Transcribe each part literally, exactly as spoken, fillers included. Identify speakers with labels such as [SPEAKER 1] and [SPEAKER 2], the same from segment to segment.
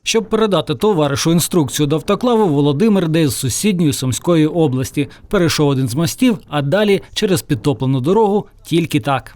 [SPEAKER 1] Щоб передати товаришу інструкцію до автоклаву, Володимир йде з сусідньої Сумської області. Перейшов один з мостів, а далі через підтоплену дорогу тільки так.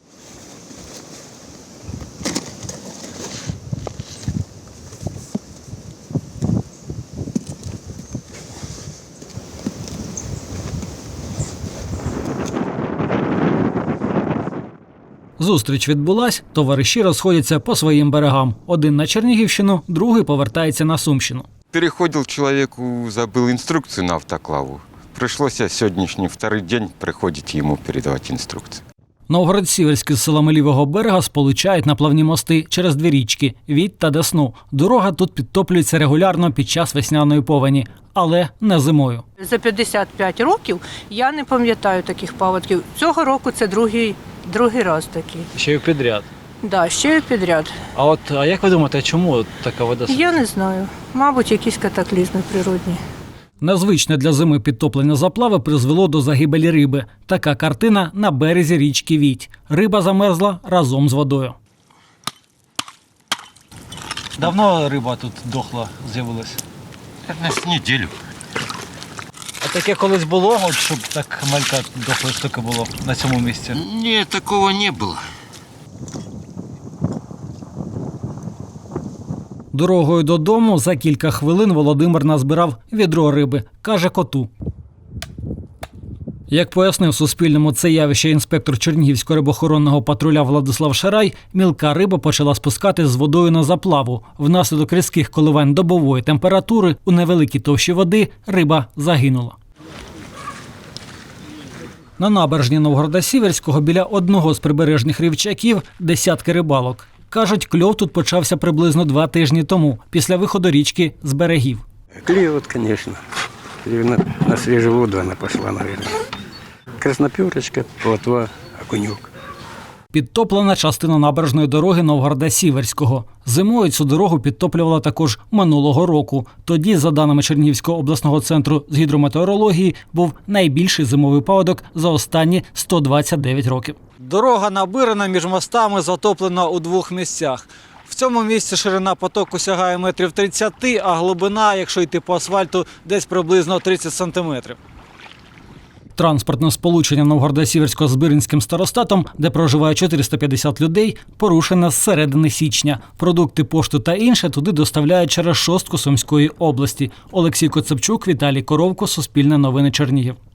[SPEAKER 1] Зустріч відбулась, товариші розходяться по своїм берегам. Один на Чернігівщину, другий повертається на Сумщину.
[SPEAKER 2] Переходив чоловіку, забив інструкцію на автоклаву. Прийшлося сьогоднішній вторий день приходити йому передавати інструкцію.
[SPEAKER 1] Новгород-Сіверськ з селами Лівого берега сполучають наплавні мости через дві річки – Відь та Десну. Дорога тут підтоплюється регулярно під час весняної повені, але не зимою.
[SPEAKER 3] За п'ятдесят п'ять років я не пам'ятаю таких паводків. Цього року це другий, другий раз такий.
[SPEAKER 1] Ще й підряд.
[SPEAKER 3] Да, ще й підряд.
[SPEAKER 1] А от а як ви думаєте, чому така вода?
[SPEAKER 3] Я не знаю. Мабуть, якісь катаклізми природні.
[SPEAKER 1] Незвичне для зими підтоплення заплави призвело до загибелі риби. Така картина на березі річки Відь. Риба замерзла разом з водою. Давно риба тут дохла з'явилась?
[SPEAKER 2] Десь неділю.
[SPEAKER 1] А таке колись було, от, щоб так малька дохлої штуки було на цьому місці?
[SPEAKER 2] Ні, такого не було.
[SPEAKER 1] Дорогою додому за кілька хвилин Володимир назбирав відро риби, каже коту. Як пояснив Суспільному це явище інспектор Чернігівського рибоохоронного патруля Владислав Шарай, мілка риба почала спускати з водою на заплаву. Внаслідок різких коливань добової температури у невеликій товщі води риба загинула. На набережні Новгорода-Сіверського біля одного з прибережних рівчаків десятки рибалок. Кажуть, кльов тут почався приблизно два тижні тому, після виходу річки з берегів.
[SPEAKER 4] Клюет, конечно. На, на свежую воду она пошла, наверное. Красноперочка, плотва, окунек.
[SPEAKER 1] Підтоплена частина набережної дороги Новгорода-Сіверського. Зимою цю дорогу підтоплювала також минулого року. Тоді, за даними Чернігівського обласного центру з гідрометеорології, був найбільший зимовий паводок за останні сто двадцять дев'ять років. Дорога набирана між мостами, затоплена у двох місцях. В цьому місці ширина потоку сягає метрів тридцять, а глибина, якщо йти по асфальту, десь приблизно тридцять сантиметрів. Транспортне сполучення Новгорода-Сіверського з Биринським старостатом, де проживає чотириста п'ятдесят людей, порушене з середини січня. Продукти, пошту та інше туди доставляють через шостку Сумської області. Олексій Коцепчук, Віталій Коровко, Суспільне новини, Чернігів.